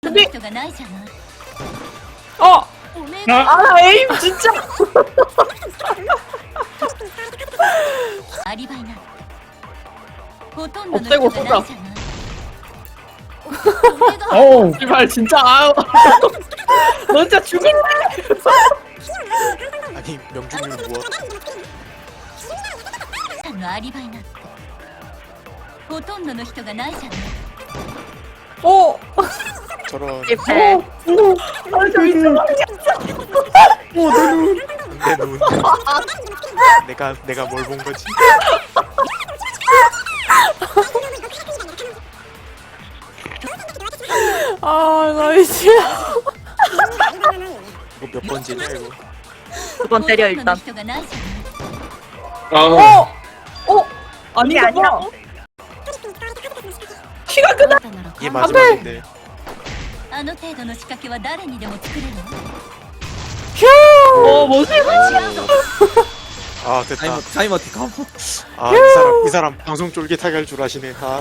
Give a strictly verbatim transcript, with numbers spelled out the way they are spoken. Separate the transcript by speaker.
Speaker 1: 근데
Speaker 2: 人がないじゃない。
Speaker 1: 어!
Speaker 2: おめえが
Speaker 1: 아 에임 진짜
Speaker 2: アリバイな。ほとんどの
Speaker 1: 없애고
Speaker 2: 人がない
Speaker 1: 쏘자
Speaker 2: じゃない。おめえが
Speaker 3: 어우
Speaker 1: 제발 진짜 아유 너 진짜 죽을래
Speaker 4: 아니 명중률 무엇?
Speaker 2: さんのアリバイなんてほとんどの人がないじゃない。
Speaker 1: 어!
Speaker 4: 저런
Speaker 1: 어! 어! 아 진짜
Speaker 4: 내 눈. 내가 내가 뭘 본 거지?
Speaker 1: 아 나이스
Speaker 4: 이거 몇 번째냐 이거?
Speaker 1: 두 번 때려
Speaker 2: ほとんどの
Speaker 1: 일단
Speaker 2: 人がないじゃない。
Speaker 3: 아
Speaker 1: 어! 어? 아니 아니야 키가
Speaker 2: あ
Speaker 1: 크다
Speaker 2: なたなら
Speaker 4: 이게
Speaker 2: 簡単。
Speaker 4: 마지막인데
Speaker 2: あの程度の仕掛けは誰にでも作れるの。
Speaker 1: 어 뭐지?
Speaker 4: 아 됐다.
Speaker 5: 타이머 타이머 티 가보.
Speaker 4: 아 이 사람 이 사람 방송 쫄깃하게 할 줄 아시네. 아